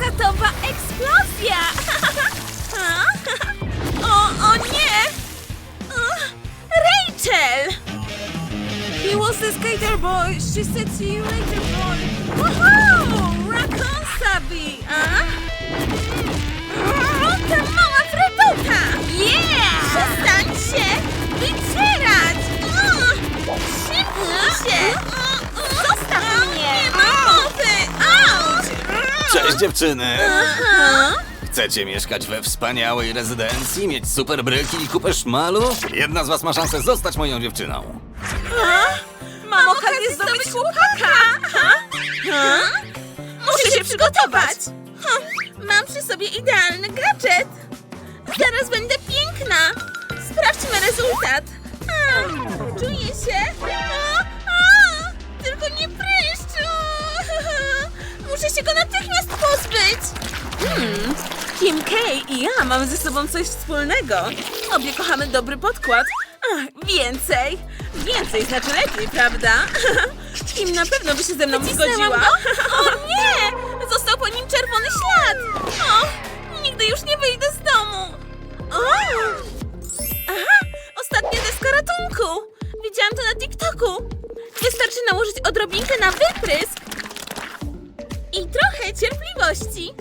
Plakatowa eksplozja! O nie! Rachel! He was the skater boy. She said see you later, boy. Woohoo! Raccoon Sabi! Ta mała freduta! Yeah! Przestań się wycierać! Szybnij się! Zostaw mnie! Nie ma mowy! Auć! Cześć dziewczyny! Aha. Chcecie mieszkać we wspaniałej rezydencji, mieć super bryki i kupę szmalu? Jedna z was ma szansę zostać moją dziewczyną. Mam okazję zdobyć chłopaka! Muszę się przygotować! Mam przy sobie idealny gadżet! Zaraz będę piękna! Sprawdźmy rezultat! Czuję się! Tylko nie pryszcz! Muszę się go natychmiast pozbyć! Kim K i ja mamy ze sobą coś wspólnego. Obie kochamy dobry podkład. Więcej! Więcej znaczy lepiej, prawda? Kim na pewno by się ze mną zgodziła. O nie! Został po nim czerwony ślad! Nigdy już nie wyjdę z domu! Ostatnia deska ratunku! Widziałam to na TikToku! Wystarczy nałożyć odrobinkę na wyprysk i trochę cierpliwości.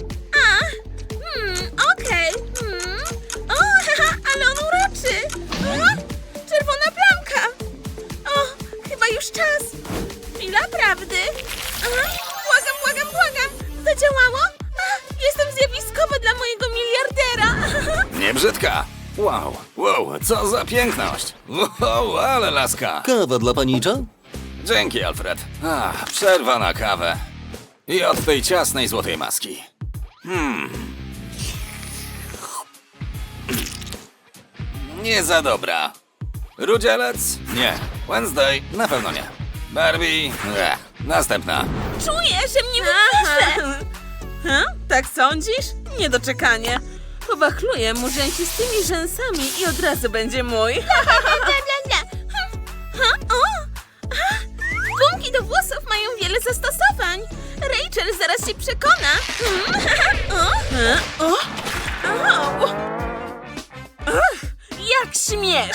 Okej. Ale on uroczy! Czerwona plamka! Chyba już czas! Chwila prawdy! Błagam! Zadziałało? Jestem zjawiskowa dla mojego miliardera! Nie brzydka! Wow, co za piękność! Wow, ale laska! Kawa dla panicza? Dzięki, Alfred. Przerwa na kawę. I od tej ciasnej złotej maski. Nie za dobra. Rudzielec? Nie. Wednesday? Na pewno nie. Barbie? Następna. Czuję, że mnie wypisze! Tak sądzisz? Niedoczekanie. Powachluję mu rzęsistymi rzęsami i od razu będzie mój. Gumki do włosów mają wiele zastosowań. Rachel zaraz się przekona. Jak śmiesz!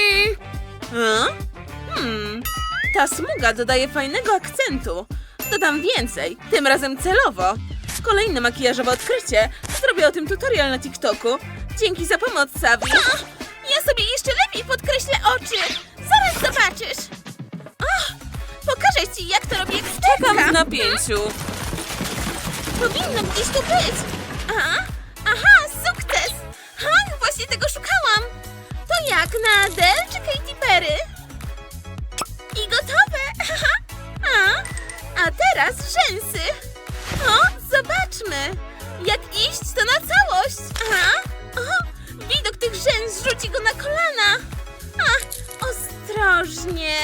Ta smuga dodaje fajnego akcentu. Dodam więcej, tym razem celowo. Kolejne makijażowe odkrycie. Zrobię o tym tutorial na TikToku. Dzięki za pomoc, Sabi. Ja sobie jeszcze lepiej podkreślę oczy. Zaraz zobaczysz. Pokażę ci, jak to robię ekspertka. Czekam w napięciu. Powinno gdzieś tu być. Sukces. Właśnie tego szukałam. To jak, na Adele czy Katy Perry? I gotowe. A teraz rzęsy. Zobaczmy. Jak iść to na całość. Widok tych rzęs rzuci go na kolana. Ostrożnie.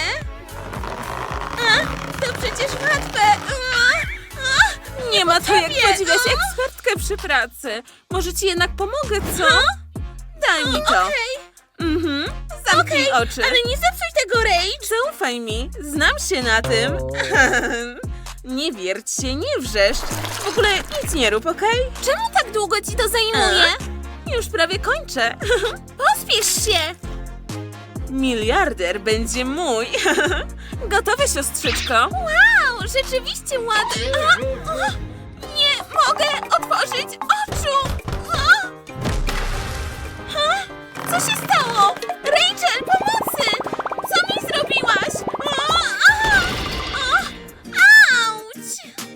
To przecież łatwe. Nie ma to jak podziwiać ekspertkę przy pracy. Może ci jednak pomogę, co? Daj mi to. Zamknij oczy. Ale nie zepsuj tego, Rage. Zaufaj mi, znam się na tym. Nie wierć się, nie wrzeszcz. W ogóle nic nie rób, okej? Czemu tak długo ci to zajmuje? Już prawie kończę. Pospiesz się. Miliarder będzie mój. Gotowe, siostrzyczko? Wow, rzeczywiście ładnie. Nie mogę otworzyć oczu. Co się stało? Rachel, pomocy! Co mi zrobiłaś? Auć!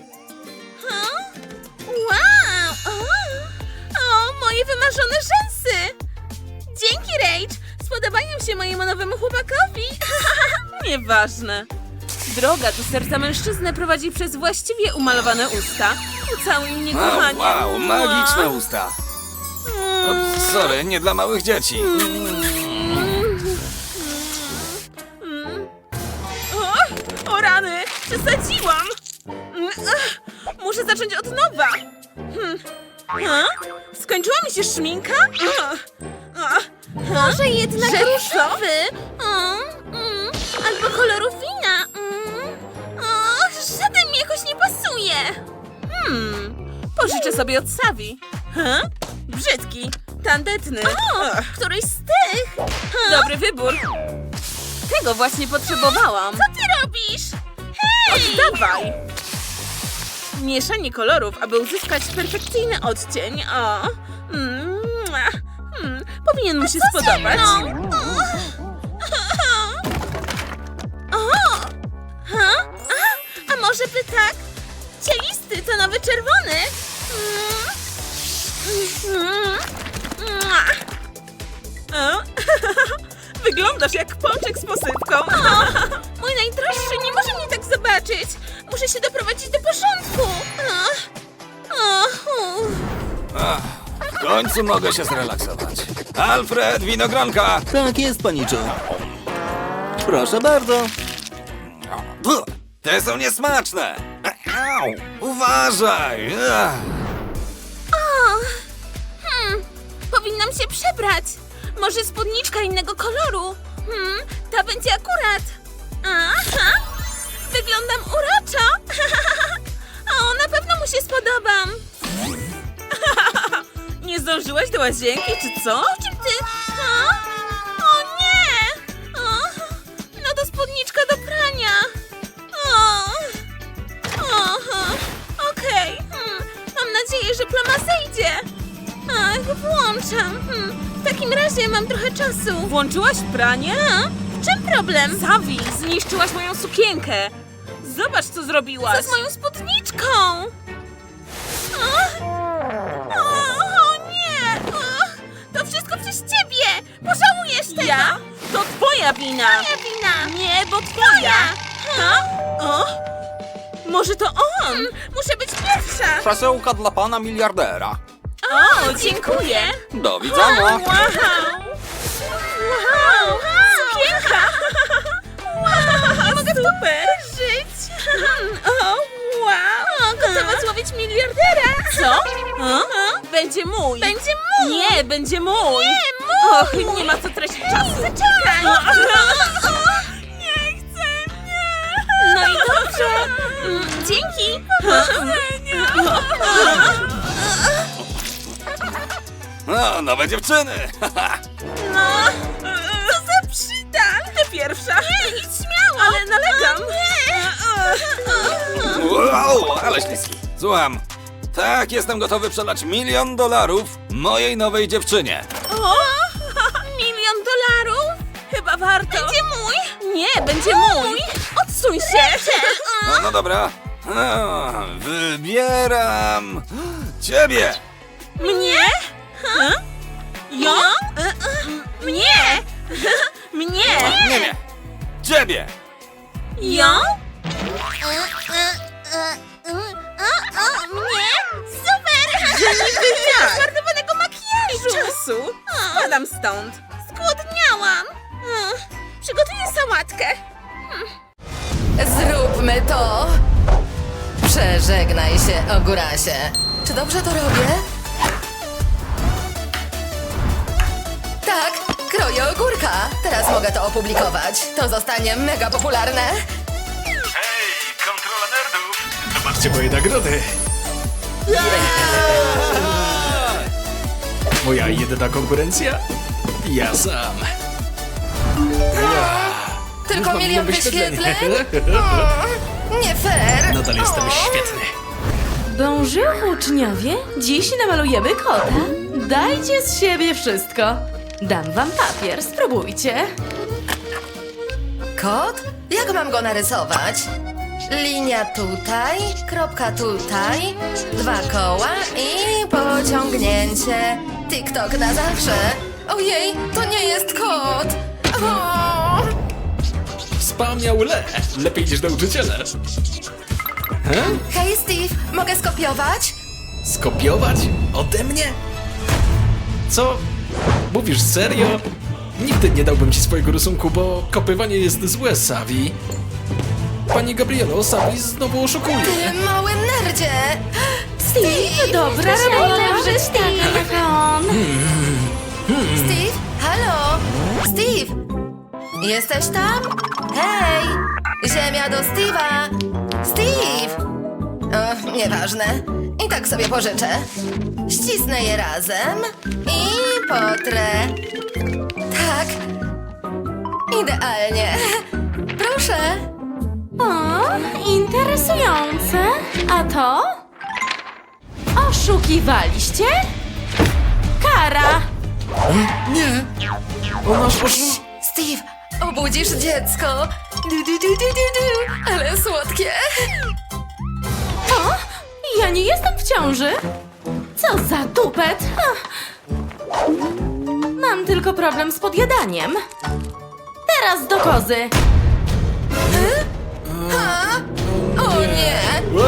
Wow! Moje wymarzone rzęsy! Dzięki, Rach! Spodobają się mojemu nowemu chłopakowi! Nieważne. Droga do serca mężczyzny prowadzi przez właściwie umalowane usta. Ucałuj mnie, kochanie. Wow, magiczne usta. Sorry, nie dla małych dzieci. O rany, przesadziłam. Muszę zacząć od nowa. Skończyła mi się szminka? Może jednak różowy? Albo koloru wina? Żaden mi jakoś nie pasuje. Pożyczę sobie od Savi. Brzydki, tandetny. Któryś z tych. Dobry wybór. Tego właśnie potrzebowałam. Co ty robisz? Hej! Oddawaj. Mieszanie kolorów, aby uzyskać perfekcyjny odcień. Powinien mu się spodobać. A może by tak? Cielisty to nowy czerwony. Wyglądasz jak pączek z posypką. Mój najdroższy nie może mnie tak zobaczyć. Muszę się doprowadzić do porządku. W końcu mogę się zrelaksować. Alfred, winogronka! Tak jest, paniczu. Proszę bardzo. Te są niesmaczne! Au, uważaj! Powinnam się przebrać. Może spódniczka innego koloru. Ta będzie akurat. Aha. Wyglądam uroczo. O, na pewno mu się spodobam. Nie zdążyłaś do łazienki, czy co? O czym ty? O nie! No to spódniczka do prania. Okej. Mam nadzieję, że plama zejdzie. Włączam. W takim razie mam trochę czasu. Włączyłaś pranie? W czym problem? Savi, zniszczyłaś moją sukienkę. Zobacz, co zrobiłaś. Co z moją spódniczką? O nie! To wszystko przez ciebie! Pożałujesz tego! Ja? To twoja wina! Moja wina! Nie, bo twoja! Może to on? Muszę być pierwsza! Przesyłka dla pana miliardera. O, dziękuję! Do widzenia. Wow! Sukienka! Wow! Nie mogę w to żyć! O, wow! Gotowa złowić miliardera! Co? Będzie mój! Będzie mój! Nie, będzie mój! Nie, mój! Och, nie ma co tracić czasu! Zaczekaj! Nie chcę! Nie! No i dobrze! Dzięki! No, nowe dziewczyny! Co za przydal! Ty pierwsza! Nie, idź śmiało! Ale nalegam! Nie! Wow, ale śliski. Słucham. Tak, jestem gotowy przelać $1 milion mojej nowej dziewczynie. O! $1 milion? Chyba warto! Będzie mój! Nie, będzie mój! Odsuń się! No dobra. Wybieram ciebie! Mnie? Ją? Mnie! Mnie! Nie. Ciebie! Ją? Mnie? Super! Że niby ja! Zmarnowanego makijażu! Czasu! Spadam stąd! Zgłodniałam! Przygotuję sałatkę! Zróbmy to! Przeżegnaj się, Ogórasie. Czy dobrze to robię? Tak, kroję ogórka. Teraz mogę to opublikować. To zostanie mega popularne. Hej, kontrola nerdów! Zobaczcie moje nagrody! Moja jedyna konkurencja? Ja sam. Tylko Już mam 1 milion wyświetleń. wyświetleń? Nie fair. Nadal jestem świetny. Bonjour, uczniowie! Dziś namalujemy kota. Dajcie z siebie wszystko. Dam wam papier, spróbujcie. Kot? Jak mam go narysować? Linia tutaj, kropka tutaj, 2 koła i pociągnięcie. TikTok na zawsze. Ojej, to nie jest kot. O! Wspomniał lepiej niż nauczyciele. Hej Steve, mogę skopiować? Skopiować? Ode mnie? Co? Mówisz serio? Nigdy nie dałbym ci swojego rysunku, bo kopywanie jest złe, Savi. Pani Gabrielo, Savi znowu oszukuje. Ty mały nerdzie! Steve! Dobra robota, Stefan. Steve? Halo? Steve? Jesteś tam? Hej! Ziemia do Steve'a! Steve! O, nieważne. I tak sobie pożyczę. Ścisnę je razem i potrę. Tak. Idealnie. Proszę. O, interesujące. A to? Oszukiwaliście? Kara! Nie! Ona Steve, obudzisz dziecko. Du. Ale słodkie. O, ja nie jestem w ciąży. Co za tupet. Ach. Mam tylko problem z podjadaniem. Teraz do kozy. O nie.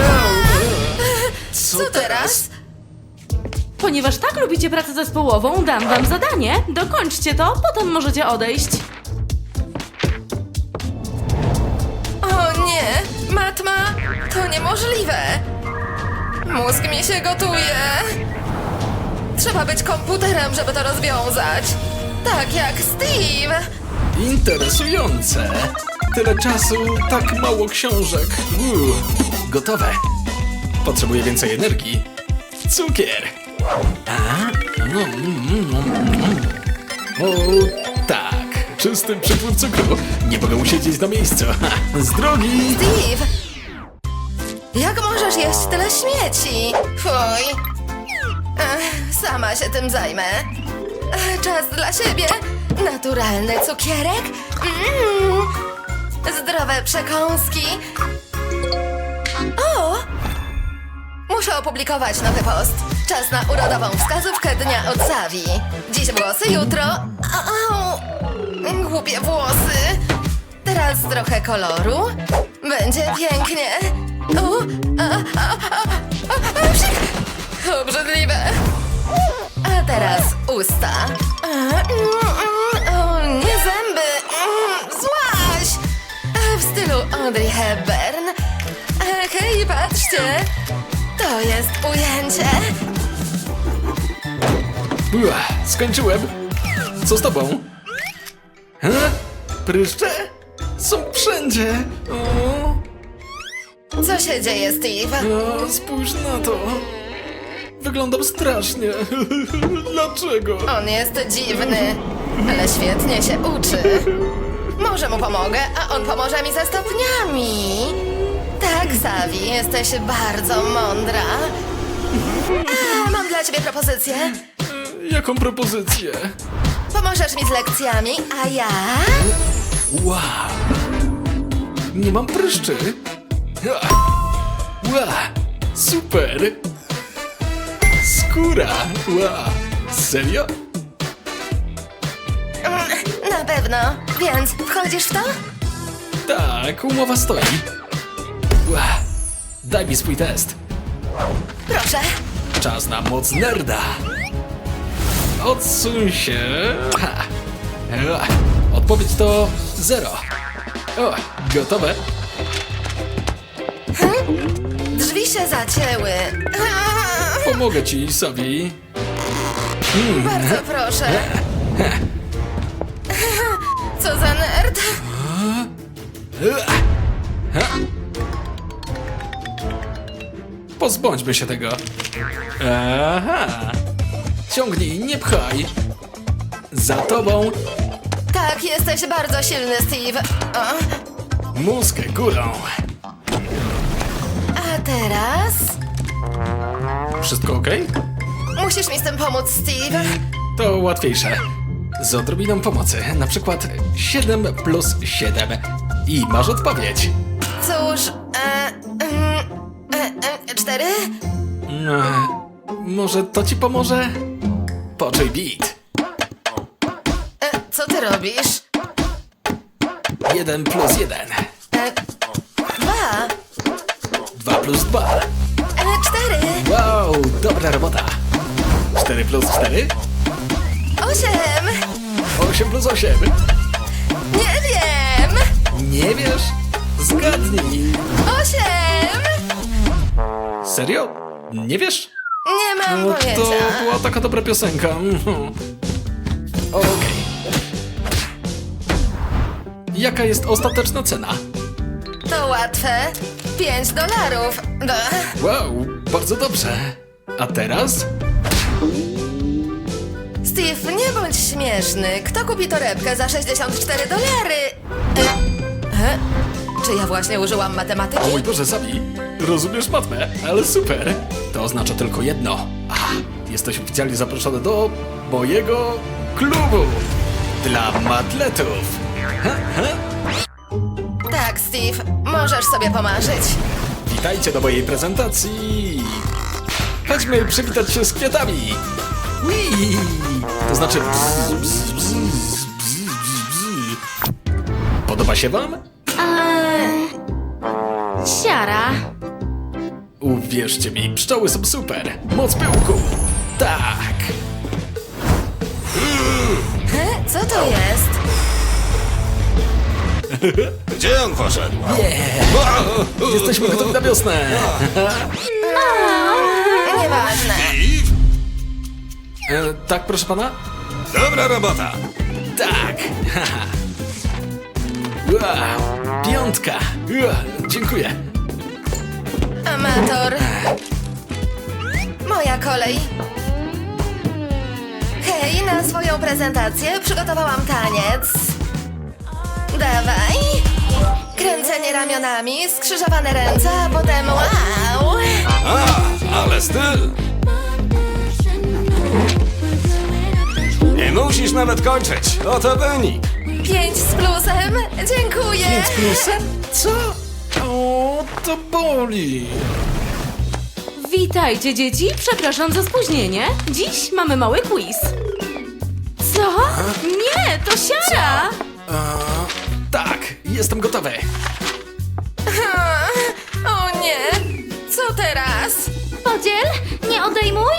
Co Co teraz? Ponieważ tak lubicie pracę zespołową, dam wam zadanie. Dokończcie to, potem możecie odejść. O nie. Matma, to niemożliwe. Mózg mi się gotuje. Trzeba być komputerem, żeby to rozwiązać. Tak jak Steve. Interesujące. Tyle czasu, tak mało książek. Gotowe. Potrzebuję więcej energii. Cukier. O, tak. Czysty przypływ cukru. Nie mogę usiedzieć na miejscu. Z drogi. Steve! Jak możesz jeść tyle śmieci? Fuj! Sama się tym zajmę. Czas dla siebie. Naturalny cukierek. Zdrowe przekąski. O! Muszę opublikować nowy post. Czas na urodową wskazówkę dnia od Savi. Dziś włosy, jutro... Au! Głupie włosy. Teraz trochę koloru. Będzie pięknie. Psik! Obrzydliwe. A teraz usta. O, nie zęby. Złaś! W stylu Audrey Hepburn. Hej, patrzcie. To jest ujęcie. Skończyłem. Co z tobą? Pryszcze? Są wszędzie. Co się dzieje, Steve? Spójrz na to. Wyglądam strasznie. Dlaczego? On jest dziwny, ale świetnie się uczy. Może mu pomogę, a on pomoże mi ze stopniami. Tak, Savi, jesteś bardzo mądra. Mam dla ciebie propozycję. Jaką propozycję? Pomożesz mi z lekcjami, a ja... Wow. Nie mam pryszczy. Wow. Super. Skóra. Wow. Serio? Na pewno, więc wchodzisz w to? Tak, umowa stoi. Wow. Daj mi swój test. Proszę. Czas na moc nerda. Odsuń się. Ha. Odpowiedź to 0. O, gotowe? Drzwi się zacięły. Pomogę ci, Savi. Bardzo proszę. Co za nerd? Pozbądźmy się tego. Aha. Ciągnij, nie pchaj. Za tobą. Tak, jesteś bardzo silny, Steve. Mózg górą. A teraz... Wszystko okej? Musisz mi z tym pomóc, Steve. To łatwiejsze. Z odrobiną pomocy. Na przykład 7 plus 7. I masz odpowiedź. Cóż, 4? Może to ci pomoże? Poczuj beat. Co ty robisz? 1 plus 1. 2. 2 plus 2. 4. Wow, dobra robota. 4 plus 4. 8. 8 plus 8. Nie wiem. Nie wiesz? Zgadnij. 8. Serio? Nie wiesz? Nie mam No pojęcia. to była taka dobra piosenka. Okej. Jaka jest ostateczna cena? To łatwe. $5. Wow, Bardzo dobrze. A teraz? Steve, nie bądź śmieszny. Kto kupi torebkę za $64? Czy ja właśnie użyłam matematyki? O mój Boże, Sabi, rozumiesz matmę, ale super. To oznacza tylko jedno. Jesteś oficjalnie zaproszony do mojego klubu dla matletów. Tak, Steve, możesz sobie pomarzyć. Witajcie do mojej prezentacji. Chodźmy przywitać się z kwiatami. Whee! To znaczy... Podoba się wam? Siara. Uwierzcie mi, pszczoły są super. Moc pyłku. Tak. Co to jest? Gdzie on poszedł? Jesteśmy gotowi na wiosnę. Nieważne. Steve? Tak, proszę pana? Dobra robota. Tak. Piątka. Dziękuję. Amator. Moja kolej. Hej, na swoją prezentację przygotowałam taniec. Dawaj. Kręcenie ramionami, skrzyżowane ręce, a potem wow. Ale styl. Nie musisz nawet kończyć. Oto wynik. 5 z plusem. Dziękuję. Co? O, to boli. Witajcie, dzieci. Przepraszam za spóźnienie. Dziś mamy mały quiz. Co? Nie, to siara. Tak, jestem gotowy. O nie. Co teraz? Podziel, nie odejmuj.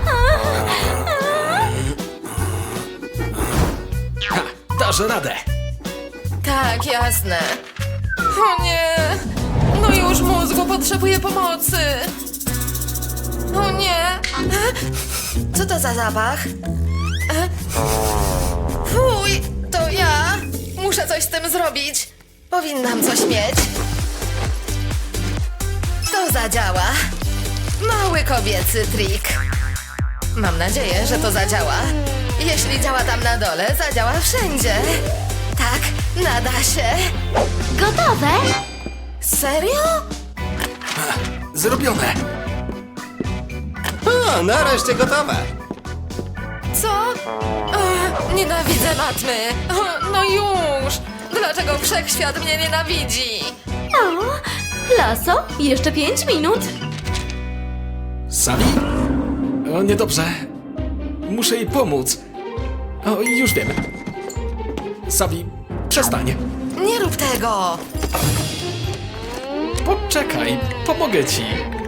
Dasz radę. Tak, jasne. O nie! No już mózgu potrzebuje pomocy. O nie! Co to za zapach? Fuj, to ja. Muszę coś z tym zrobić. Powinnam coś mieć. To zadziała. Mały kobiecy trik. Mam nadzieję, że to zadziała. Jeśli działa tam na dole, zadziała wszędzie. Tak, nada się. Gotowe? Serio? Zrobione. O, nareszcie gotowe. Co? Nienawidzę matmy. No już. Dlaczego wszechświat mnie nienawidzi? O, Laso, jeszcze 5 minut. Sabi? O, niedobrze. Muszę jej pomóc. O, już wiem. Sabi, przestań. Nie rób tego. Poczekaj, pomogę ci.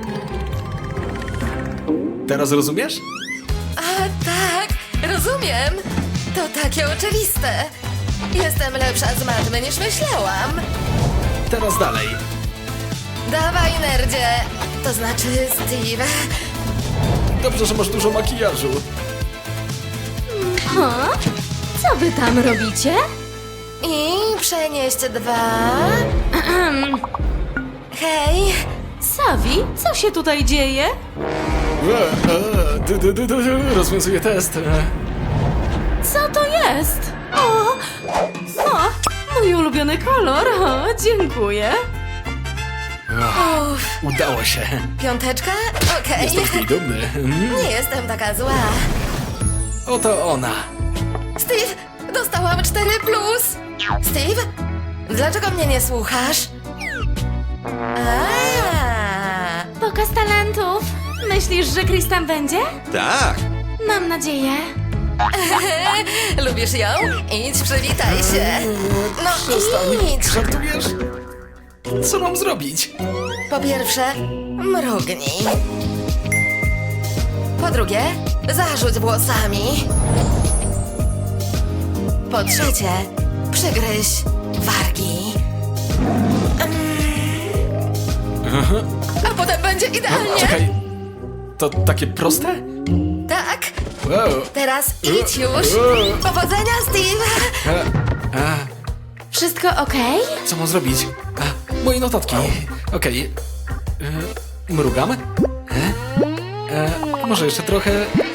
Teraz rozumiesz? A tak, rozumiem. To takie oczywiste. Jestem lepsza z matmy niż myślałam. Teraz dalej. Dawaj, nerdzie. To znaczy, Steve. Dobrze, że masz dużo makijażu. O, co wy tam robicie? I przenieść 2. Hej. Savi, co się tutaj dzieje? Rozwiązuję test. Co to jest? O, mój ulubiony kolor. O, dziękuję. Udało się. 5? Okej. Jestem z niej dumny. Nie jestem taka zła. Oto ona. Steve, dostałam 4+. Steve, dlaczego mnie nie słuchasz? Pokaz talentów. Myślisz, że Chris tam będzie? Tak. Mam nadzieję. Lubisz ją? Idź, przywitaj się. No idź. Żartujesz? Co mam zrobić? Po pierwsze, mrugnij. Po drugie, zarzuć włosami. Po trzecie, przygryź wargi. A potem będzie idealnie. Czekaj. To takie proste? Tak, Wow. teraz idź już. Powodzenia, Steve. Wszystko okej? Co mam zrobić? Moje notatki. Okej. Mrugam. Może jeszcze trochę...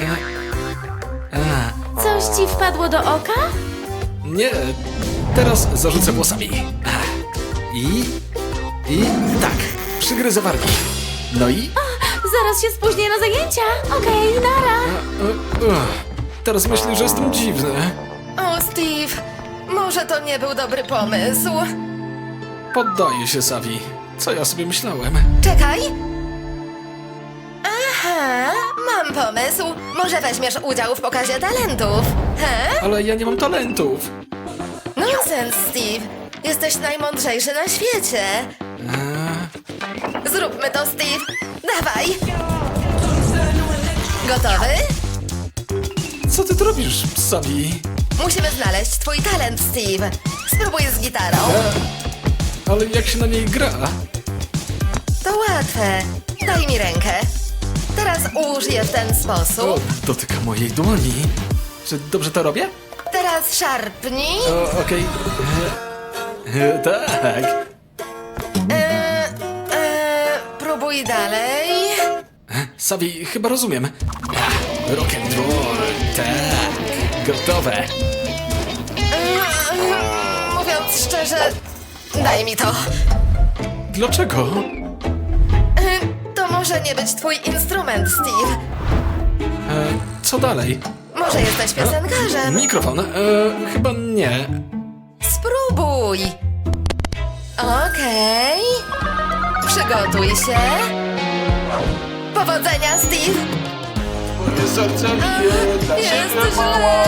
Coś ci wpadło do oka? Nie, teraz zarzucę włosami. I tak, przygryzę wargi. No i... Zaraz się spóźnię na zajęcia. Okej, nara. Teraz myśli, że jestem dziwny. O, Steve, może to nie był dobry pomysł. Poddaję się, Savi. Co ja sobie myślałem? Czekaj. Aha, mam pomysł. Może weźmiesz udział w pokazie talentów? He? Ale ja nie mam talentów. Nonsens, Steve. Jesteś najmądrzejszy na świecie. Zróbmy to, Steve. Dawaj. Gotowy? Co ty tu robisz, Savi? Musimy znaleźć twój talent, Steve. Spróbuj z gitarą. Ale jak się na niej gra? To łatwe. Daj mi rękę. Teraz ułóż je w ten O, sposób. dotyka mojej dłoni. Czy dobrze to robię? Teraz szarpnij. Okej. Tak. Próbuj dalej. Savi, chyba rozumiem. Rock and roll. Tak. Gotowe. Mówiąc szczerze, daj mi to. Dlaczego? To może nie być twój instrument, Steve. Co dalej? Może jesteś piosenkarzem. Mikrofon? Chyba nie. Spróbuj. Okej. Przygotuj się. Powodzenia, Steve. Moje serce Jest źle.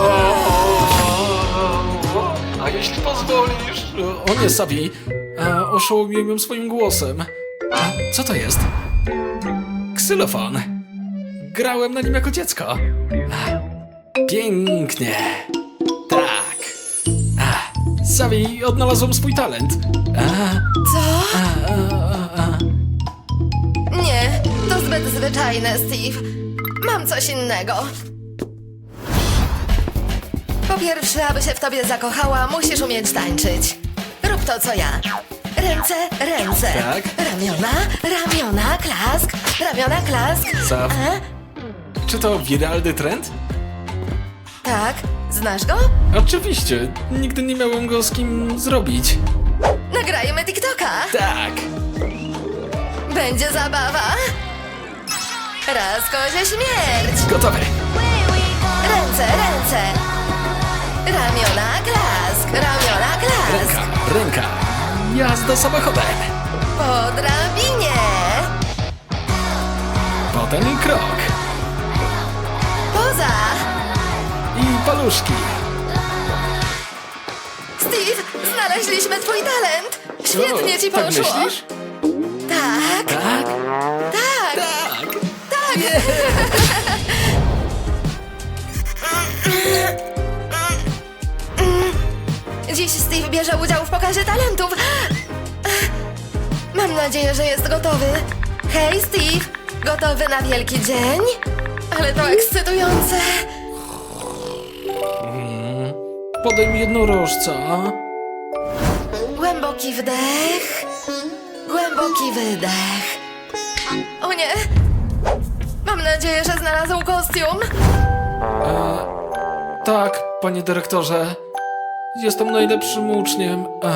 A jeśli pozwolisz... O nie, Savi. Oszołomiłem ją swoim głosem. Co to jest? Ksylofon. Grałem na nim jako dziecko. Pięknie. Tak. Savi, odnalazłem swój talent. Co? Nie, to zbyt zwyczajne, Steve. Mam coś innego. Po pierwsze, aby się w tobie zakochała, musisz umieć tańczyć. Rób to, co ja. Ręce, ręce. Tak. Ramiona, klask. Ramiona, klask. Sav. Czy to wiralny trend? Tak, znasz go? Oczywiście. Nigdy nie miałem go z kim zrobić. Nagrajmy TikToka. Tak. Będzie zabawa. Raz kozie śmierć. Gotowe. Ręce, ręce. Ramiona, klask. Ramiona, klask. Ręka. Jazda samochodem. Po drabinie. Potem krok. Poza. I paluszki. Steve, znaleźliśmy twój talent. Świetnie ci Tak poszło. myślisz? Tak, Tak. tak, Tak. tak. Dziś Steve bierze udział w pokazie talentów. Mam nadzieję, że jest gotowy. Hej, Steve, gotowy na wielki dzień? Ale to ekscytujące. Podaj mi jednorożca. Głęboki wdech, głęboki wydech. O nie! Mam nadzieję, że znalazł kostium. Tak, panie dyrektorze. Jestem najlepszym uczniem.